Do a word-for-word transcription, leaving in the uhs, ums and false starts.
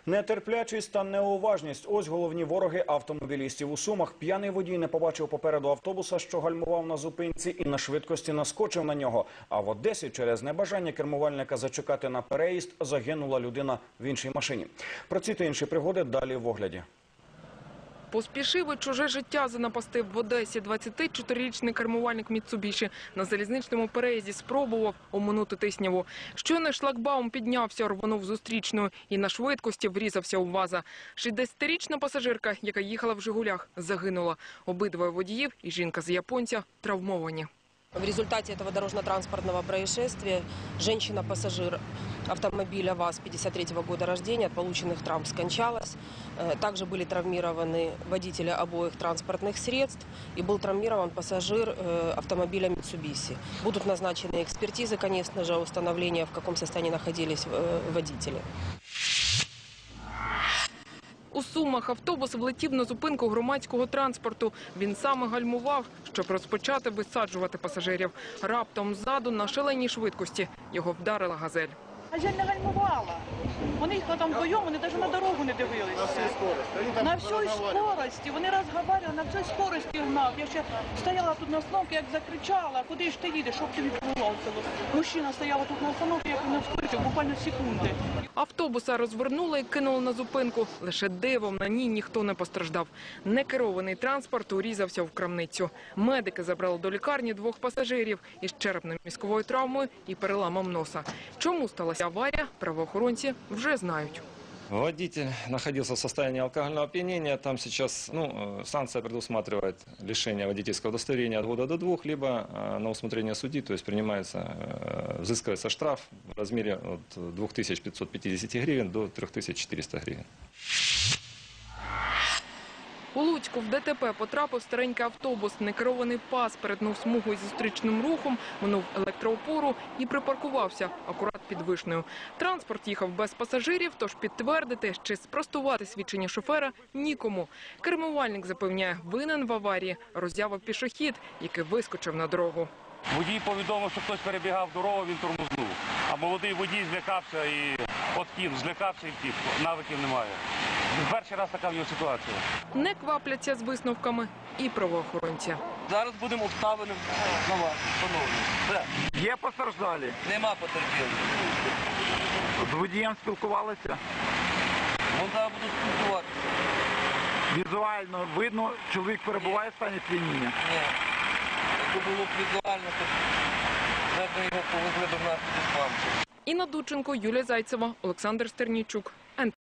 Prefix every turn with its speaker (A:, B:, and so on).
A: Нетерплячість та неуважність – ось головні вороги автомобілістів у Сумах. П'яний водій не побачив попереду автобуса, що гальмував на зупинці, і на швидкості наскочив на нього. А в Одесі через небажання кермувальника зачекати на переїзд загинула людина в іншій машині. Про ці та інші пригоди далі в огляді.
B: Поспішив і чуже життя занапастив в Одесі. двадцятичотирирічний кермувальник Міцубіші на залізничному переїзді спробував оминути тисняву. Щойно шлагбаум піднявся, рвонув зустрічною і на швидкості врізався у ВАЗа. шістдесятирічна пасажирка, яка їхала в «Жигулях», загинула. Обидвоє водіїв і жінка з японця травмовані.
C: В результате этого дорожно-транспортного происшествия женщина-пассажир автомобиля ВАЗ пятьдесят третьего года рождения от полученных травм скончалась. Также были травмированы водители обоих транспортных средств и был травмирован пассажир автомобиля Mitsubishi. Будут назначены экспертизы, конечно же, установления, в каком состоянии находились водители.
B: У Сумах автобус влетів на зупинку громадського транспорту. Він саме гальмував, щоб розпочати висаджувати пасажирів. Раптом ззаду на шаленій швидкості його вдарила «Газель».
D: «Газель» не гальмувала. Вони їхали там вдвоєм, вони навіть на дорогу не дивилися. На всій скорості? На всій скорості. Вони розмовляли, на всій скорості гнав. Я ще стояла тут на остановці, як закричала, куди ж ти їдеш, щоб тобі відбувалося. Мужчина стояла тут на остановці, як він вскочив, буквально секунди.
B: Автобуса розвернули і кинули на зупинку. Лише дивом на ній ніхто не постраждав. Некерований транспорт урізався в крамницю. Медики забрали до лікарні двох пасажирів із черепно-мозковою травмою і переламом носа. Чому сталася аварія, правоохоронці вже знають.
E: Водитель находился в состоянии алкогольного опьянения. Там сейчас ну, санкция предусматривает лишение водительского удостоверения от года до двух, либо на усмотрение судьи, то есть принимается, взыскивается штраф в размере от двух тысяч пятисот пятидесяти гривен до трёх тысяч четырёхсот гривен.
B: У Луцьку в ДТП потрапив старенький автобус. Некерований пас перетнув смугу із зустрічним рухом, минув електроопору і припаркувався акурат під Вишнею. Транспорт їхав без пасажирів, тож підтвердити чи спростувати свідчення шофера нікому. Кермувальник запевняє, винен в аварії роззявив пішохід, який вискочив на дорогу.
F: Водій повідомив, що хтось перебігав дорогу, він тормознув. А молодий водій злякався і откинув, злякався і втік. Навиків немає. Перший раз така в нього ситуація.
B: Не квапляться з висновками і правоохоронці.
G: Зараз будемо обставини на вас, шановні. Все.
H: Є постраждалі?
G: Нема потерпілих.
H: З водієм спілкувалися?
G: Вон зараз будуть спілкуватися.
H: Візуально видно, чоловік перебуває в стані сп'яніння?
G: Ні. Якби було б візуально, то вже б його повезли до нас під Іспанцію.
B: Інна Дученко, Юлія Зайцева, Олександр Стернійчук.